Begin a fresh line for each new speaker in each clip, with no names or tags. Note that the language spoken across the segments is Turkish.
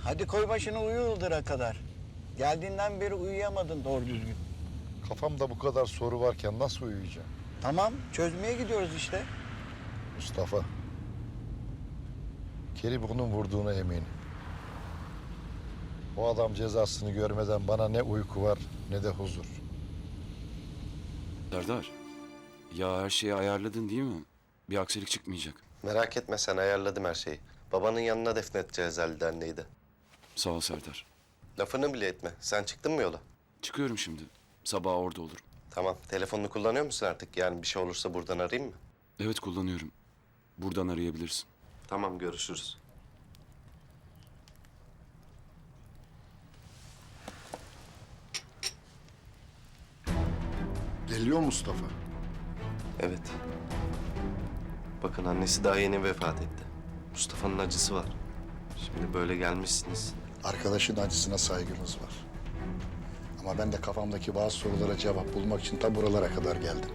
Hadi koy başını uyu Ildır'a kadar. Geldiğinden beri uyuyamadın doğru düzgün.
Kafamda bu kadar soru varken nasıl uyuyacağım?
Tamam, çözmeye gidiyoruz işte.
Mustafa. Kerim bunun vurduğuna eminim. O adam cezasını görmeden bana ne uyku var ne de huzur.
Serdar, ya her şeyi ayarladın değil mi? Bir aksilik çıkmayacak.
Merak etme sen, ayarladım her şeyi. Babanın yanına defnedeceğiz Ali Derneği'yi de.
Sağ ol Serdar.
Lafını bile etme. Sen çıktın mı yola?
Çıkıyorum şimdi. Sabah orada olurum.
Tamam. Telefonunu kullanıyor musun artık? Yani bir şey olursa buradan arayayım mı?
Evet kullanıyorum. Buradan arayabilirsin.
Tamam, görüşürüz.
Geliyor Mustafa.
Evet. Bakın annesi daha yeni vefat etti. Mustafa'nın acısı var. Şimdi böyle gelmişsiniz.
Arkadaşın acısına saygımız var. Ama ben de kafamdaki bazı sorulara cevap bulmak için ta buralara kadar geldim.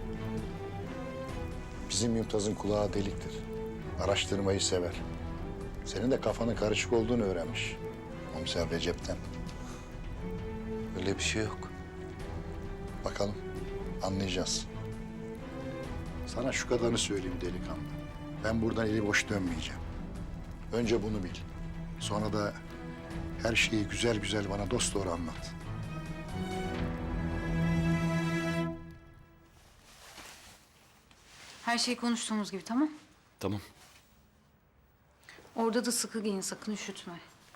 Bizim Mümtaz'ın kulağı deliktir. Araştırmayı sever. Senin de kafanın karışık olduğunu öğrenmiş. Komiser Recep'ten.
Öyle bir şey yok.
Bakalım, anlayacağız. Sana şu kadarını söyleyeyim delikanlı. Ben buradan eli boş dönmeyeceğim. Önce bunu bil. Sonra da her şeyi güzel güzel bana dosdoğru anlat.
Her şey konuştuğumuz gibi, tamam?
Tamam.
Orada da sıkı giyin, sakın üşütme.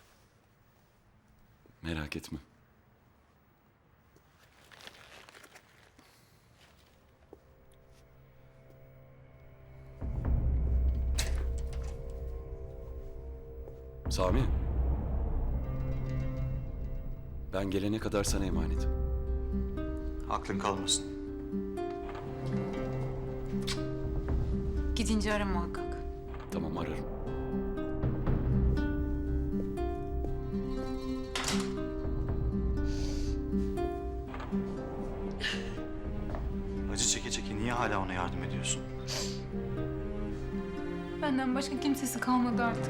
Merak etme. Sami. Ben gelene kadar sana emanetim.
Aklın kalmasın.
Gidince ara muhakkak.
Tamam ararım.
Acı çeke çeke niye hala ona yardım ediyorsun?
Benden başka kimsesi kalmadı artık.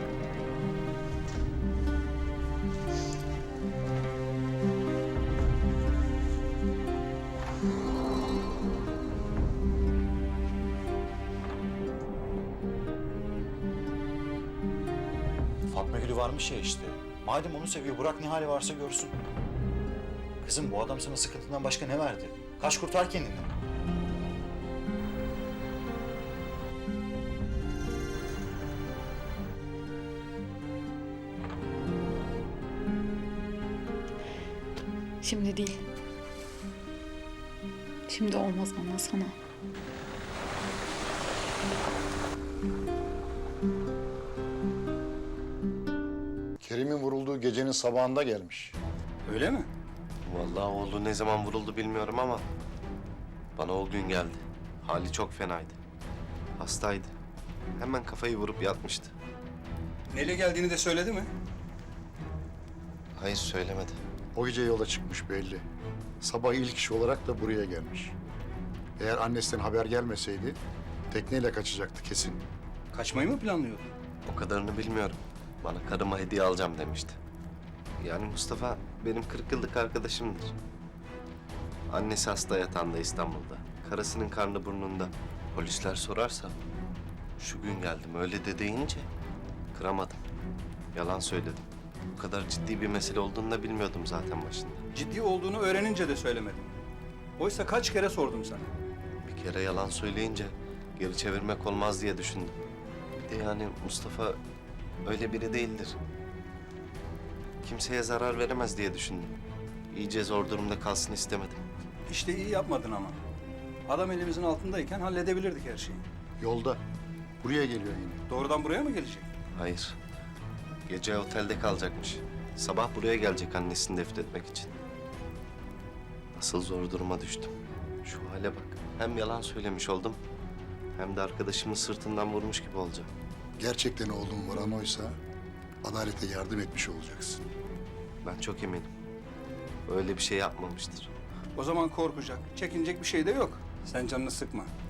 Fatma Gül'ü varmış ya işte. Madem onu seviyor, bırak ne hali varsa görsün. Kızım, bu adam sana sıkıntından başka ne verdi? Kaç kurtar kendini.
Şimdi değil. Şimdi olmaz bana, sana.
Kerim'in vurulduğu gecenin sabahında gelmiş.
Öyle mi?
Vallahi oğlu ne zaman vuruldu bilmiyorum ama bana o gün geldi. Hali çok fenaydı. Hastaydı. Hemen kafayı vurup yatmıştı.
Neyle geldiğini de söyledi mi?
Hayır, söylemedi.
O gece yola çıkmış belli. Sabah ilk iş olarak da buraya gelmiş. Eğer annesinden haber gelmeseydi tekneyle kaçacaktı kesin.
Kaçmayı mı planlıyordu?
O kadarını bilmiyorum. Bana karıma hediye alacağım demişti. Yani Mustafa benim 40 yıllık arkadaşımdır. Annesi hasta yatağında İstanbul'da. Karısının karnı burnunda. Polisler sorarsa şu gün geldim öyle de deyince kıramadım. Yalan söyledim. Bu kadar ciddi bir mesele olduğunu da bilmiyordum zaten başında.
Ciddi olduğunu öğrenince de söylemedim. Oysa kaç kere sordum sana.
Bir kere yalan söyleyince geri çevirmek olmaz diye düşündüm. Bir de yani Mustafa öyle biri değildir. Kimseye zarar veremez diye düşündüm. İyice zor durumda kalsın istemedim.
İşte iyi yapmadın ama. Adam elimizin altındayken halledebilirdik her şeyi.
Yolda. Buraya geliyor yine.
Doğrudan buraya mı gelecek?
Hayır. Gece otelde kalacakmış. Sabah buraya gelecek annesini defnetmek için. Nasıl zor duruma düştüm. Şu hale bak. Hem yalan söylemiş oldum, hem de arkadaşımın sırtından vurmuş gibi olacağım.
Gerçekten oğlum vuran oysa adalete yardım etmiş olacaksın.
Ben çok eminim. Öyle bir şey yapmamıştır.
O zaman korkacak, çekinecek bir şey de yok. Sen canını sıkma.